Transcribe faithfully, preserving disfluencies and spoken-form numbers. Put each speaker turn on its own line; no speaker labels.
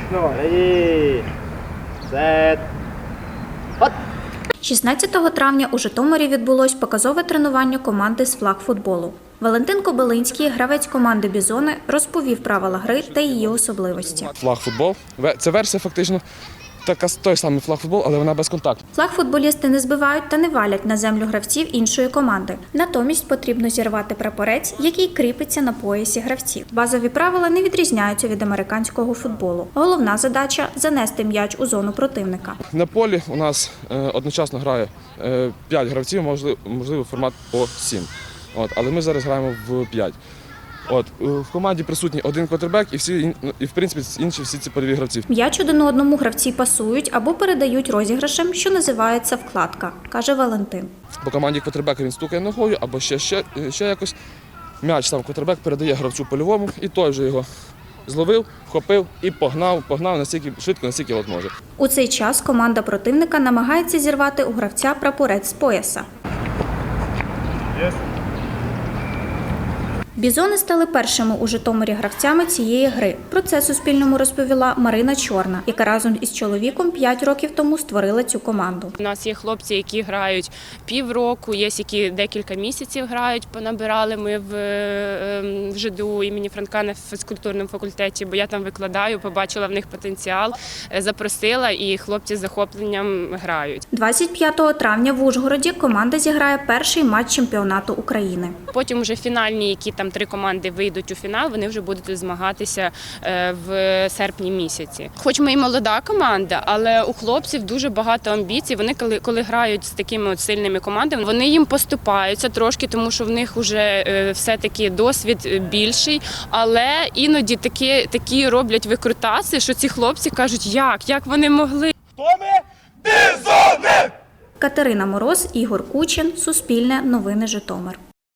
Ready, set, hot!
шістнадцятого травня у Житомирі відбулось показове тренування команди з флагфутболу. Валентин Кобилинський, гравець команди «Бізони», розповів правила гри та її особливості.
Флагфутбол – це версія фактично така той самий флагфутбол, але вона без контакту.
Флагфутболісти не збивають та не валять на землю гравців іншої команди. Натомість потрібно зірвати прапорець, який кріпиться на поясі гравців. Базові правила не відрізняються від американського футболу. Головна задача – занести м'яч у зону противника.
На полі у нас одночасно грає п'ять гравців, можливо формат по сім. От, але ми зараз граємо в п'ять. От, в команді присутній один квотербек і, всі, і в принципі інші всі ці польові гравці.
М'яч один одному гравці пасують або передають розіграшем, що називається вкладка, каже Валентин.
По команді квотербека він стукає ногою або ще, ще, ще якось. М'яч сам квотербек передає гравцю польовому і той же його зловив, вхопив і погнав, погнав настільки швидко, настільки от може.
У цей час команда противника намагається зірвати у гравця прапорець з пояса.
Yes.
Бізони стали першими у Житомирі гравцями цієї гри. Про це Суспільному розповіла Марина Чорна, яка разом із чоловіком п'ять років тому створила цю команду.
У нас є хлопці, які грають півроку, є які декілька місяців грають, понабирали ми в, в ЖДУ імені Франка на фізкультурному факультеті, бо я там викладаю, побачила в них потенціал, запросила і хлопці з захопленням грають.
двадцять п'ятого травня в Ужгороді команда зіграє перший матч чемпіонату України.
Потім вже фінальні, які там три команди вийдуть у фінал, вони вже будуть змагатися в серпні місяці. Хоч ми і молода команда, але у хлопців дуже багато амбіцій. Вони коли, коли грають з такими от сильними командами, вони їм поступаються трошки, тому що в них вже все-таки досвід більший, але іноді такі, такі роблять викрутаси, що ці хлопці кажуть, як, як вони могли.
Хто ми? Бізони!
Катерина Мороз, Ігор Кучин, Суспільне, Новини Житомир.